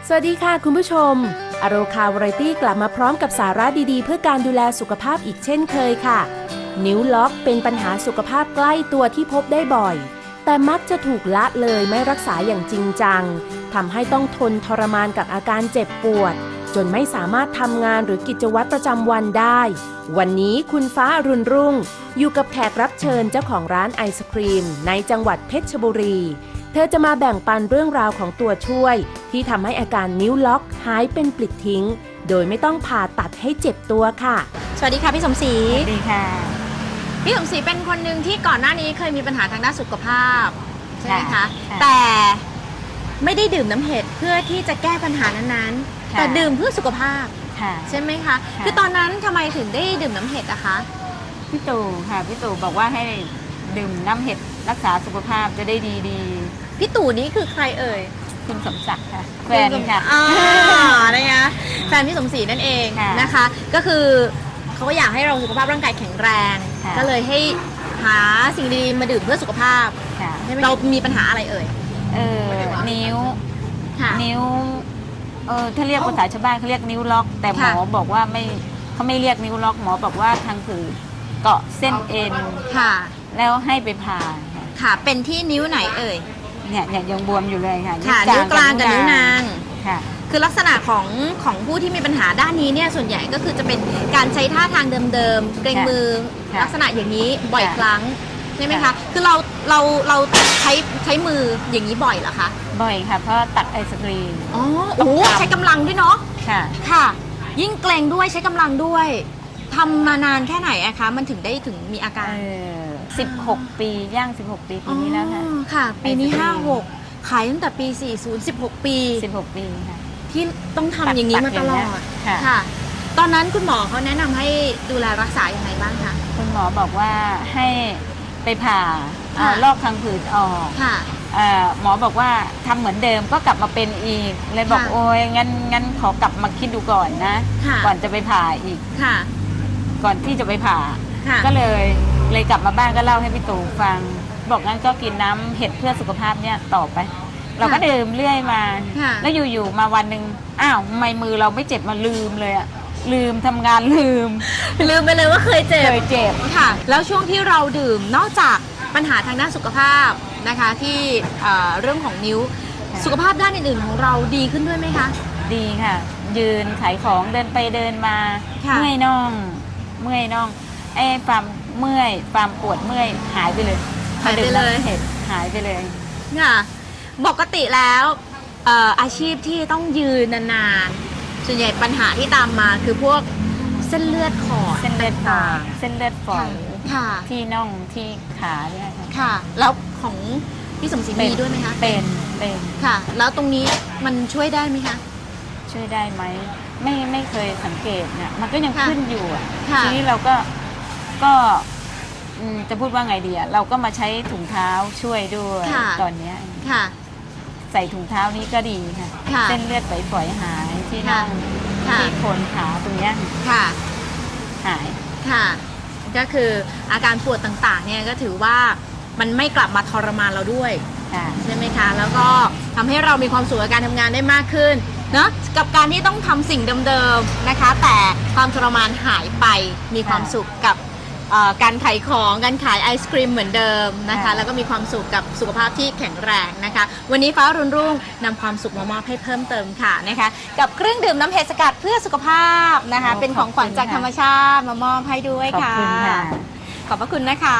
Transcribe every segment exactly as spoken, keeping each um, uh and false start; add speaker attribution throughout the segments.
Speaker 1: สวัสดีค่ะคุณผู้ชมอโรคาวาไรตี้กลับมาพร้อมกับสาระดีๆเพื่อการดูแลสุขภาพอีกเช่นเคยค่ะนิ้วล็อกเป็นปัญหาสุขภาพใกล้ตัวที่พบได้บ่อยแต่มักจะถูกละเลยไม่รักษาอย่างจริงจังทำให้ต้องทนทรมานกับอาการเจ็บปวดจนไม่สามารถทำงานหรือกิจวัตรประจำวันได้วันนี้คุณฟ้าอรุณรุ่งอยู่กับแขกรับเชิญเจ้าของร้านไอศครีมในจังหวัดเพชรบุรีเธอจะมาแบ่งปันเรื่องราวของตัวช่วยที่ทำให้อาการนิ้วล็อกหายเป็นปลิดทิ้งโดยไม่ต้องผ่าตัดให้เจ็บตัวค่ะ
Speaker 2: สวัสดีค่ะพี่สมศรี
Speaker 3: สวัสดีค่ะ
Speaker 2: พี่สมศรีเป็นคนหนึ่งที่ก่อนหน้านี้เคยมีปัญหาทางด้านสุขภาพใช่ไหมคะแต่ไม่ได้ดื่มน้ำเห็ดเพื่อที่จะแก้ปัญหานั้นๆแต่ดื่มเพื่อสุขภาพใช่ไหมคะคือตอนนั้นทำไมถึงได้ดื่มน้ำเห็ดอะคะ
Speaker 3: พี่ตู่ค่ะพี่ตู่บอกว่าให้ดื่มน้ำเห็ดรักษาสุขภาพจะได้ดีดี
Speaker 2: พี่ตู่นี้คือใครเอ่ย
Speaker 3: คุณสมศักดิ์ค่ะแฟนค่ะ
Speaker 2: อ่านะคะแฟนพี่สมศรีนั่นเองนะคะก็คือเขาก็อยากให้เราสุขภาพร่างกายแข็งแรงก็เลยให้หาสิ่งดีมาดื่มเพื่อสุขภาพเรามีปัญหาอะไรเอ่ย
Speaker 3: เออนิ้วนิ้วเออถ้าเรียกภาษาชาวบ้านเขาเรียกนิ้วล็อกแต่หมอบอกว่าไม่เขาไม่เรียกนิ้วล็อกหมอบอกว่าทางคือเกาะเส้นเอ็นค่ะแล้วให้ไปผ่า
Speaker 2: ค่ะเป็นที่นิ้วไหนเอ่ย
Speaker 3: เนี่ยเนี่ยยังบวมอยู่เลยค่ะ
Speaker 2: ค่ะนิ้วกลางกับนิ้วนางค่ะคือลักษณะของของผู้ที่มีปัญหาด้านนี้เนี่ยส่วนใหญ่ก็คือจะเป็นการใช้ท่าทางเดิมๆเกรงมือลักษณะอย่างนี้บ่อยครั้งใช่ไหมคะคือเราเราเราใช้ใช้มืออย่างนี้บ่อยเหรอคะ
Speaker 3: บ่อยค่ะเพราะตัดไอศกรีม
Speaker 2: อ๋อโอ้ใช้กำลังด้วยเนาะค่ะค่ะยิ่งเกรงด้วยใช้กำลังด้วยทำมานานแค่ไหนอะคะมันถึงได้ถึงมีอาการ
Speaker 3: สิบหกปีย่างสิบหกปีปีนี้แล้วค่ะ
Speaker 2: ค่ะปีนี้ห้าหกขายตั้งแต่ปีสี่สิบ สิบหกปี
Speaker 3: สิบหกปีค่ะ
Speaker 2: ที่ต้องทำอย่างนี้มาตลอดค่ะตอนนั้นคุณหมอเขาแนะนำให้ดูแลรักษาอย่างไรบ้างคะ
Speaker 3: คุณหมอบอกว่าให้ไปผ่าลอกทางผืดออกหมอบอกว่าทำเหมือนเดิมก็กลับมาเป็นอีกเลยบอกโอ้ยงั้นงั้นขอกลับมาคิดดูก่อนนะก่อนจะไปผ่าอีกก่อนที่จะไปผ่าก็เลยเลยกลับมาบ้านก็เล่าให้พี่ตู่ฟังบอกงั้นก็กินน้ำเห็ดเพื่อสุขภาพเนี่ยต่อไปเราก็ดื่มเรื่อยมาแล้วอยู่ๆมาวันหนึ่งอ้าวทำไมมือเราไม่เจ็บมาลืมเลยอะลืมทำงานลืม
Speaker 2: ลืมไปเลยว่าเคยเจ็บ
Speaker 3: เคยเจ็บ
Speaker 2: ค่ะแล้วช่วงที่เราดื่มนอกจากปัญหาทางด้านสุขภาพนะคะที่เรื่องของนิ้วสุขภาพด้านอื่นๆของเราดีขึ้นด้วยไหมคะ
Speaker 3: ดีค่ะยืนขายของเดินไปเดินมาเมื่อยน่องเมื่อยน่องไอ้ความเมื่อยความปวดเมื่อยหายไปเลย
Speaker 2: หายไปเลย
Speaker 3: เห็ดหายไปเลย
Speaker 2: ค่ะปกติแล้วอาชีพที่ต้องยืนนานๆส่วนใหญ่ปัญหาที่ตามมาคือพวกเส้นเลือดขอด
Speaker 3: เส้นเลือดฝอยเส้นเลือดฝอยที่น่องที่ขาเนี่ย
Speaker 2: ค่ะแล้วของพี่สมศรีมีด้วยไหมคะ
Speaker 3: เป็นเป็น
Speaker 2: ค่ะแล้วตรงนี้มันช่วยได้ไหมคะ
Speaker 3: ช่วยได้ไหมไม่ไม่เคยสังเกตเนี่ยมันก็ยังขึ้นอยู่อ่ะทีนี้เราก็ก็จะพูดว่าไงดีอ่ะเราก็มาใช้ถุงเท้าช่วยด้วยตอนนี้ค่ะใส่ถุงเท้านี้ก็ดีค่ะเส้นเลือดฝอยๆหายที่น่องที่โคนขาตรงนี้ค่ะหาย
Speaker 2: ค่ะก็คืออาการปวดต่างๆเนี่ยก็ถือว่ามันไม่กลับมาทรมานเราด้วยใช่ไหมคะแล้วก็ทำให้เรามีความสุขกับการทำงานได้มากขึ้นเนาะกับการที่ต้องทำสิ่งเดิมๆนะคะแต่ความทรมานหายไปมีความสุขกับการขายของการขายไอศครีมเหมือนเดิมนะคะแล้วก็มีความสุขกับสุขภาพที่แข็งแรงนะคะวันนี้ฟ้ารุ่งรุ่งนำความสุขมามอบให้เพิ่มเติมค่ะนะคะกับเครื่องดื่มน้ำเห็ดสกัดเพื่อสุขภาพนะคะเป็นของขวัญจากธรรมชาติมามอบให้ด้วยค่ะขอบคุณค่ะขอบพระคุณนะคะ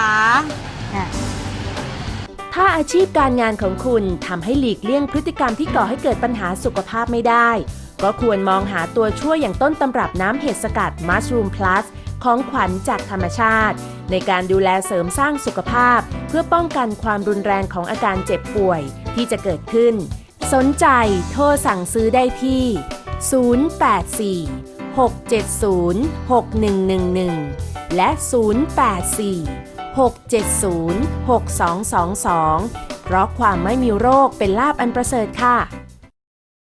Speaker 1: ถ้าอาชีพการงานของคุณทำให้หลีกเลี่ยงพฤติกรรมที่ก่อให้เกิดปัญหาสุขภาพไม่ได้ก็ควรมองหาตัวช่วยอย่างต้นตำรับน้ำเห็ดสกัด Mushroom Plus ของขวัญจากธรรมชาติในการดูแลเสริมสร้างสุขภาพเพื่อป้องกันความรุนแรงของอาการเจ็บป่วยที่จะเกิดขึ้นสนใจโทรสั่งซื้อได้ที่ศูนย์ แปด สี่ หก เจ็ด ศูนย์ หก หนึ่ง หนึ่ง หนึ่งและศูนย์ แปด สี่ หก เจ็ด ศูนย์ หก สอง สอง สองเพราะความไม่มีโรคเป็นลาภอันประเสริฐค่ะ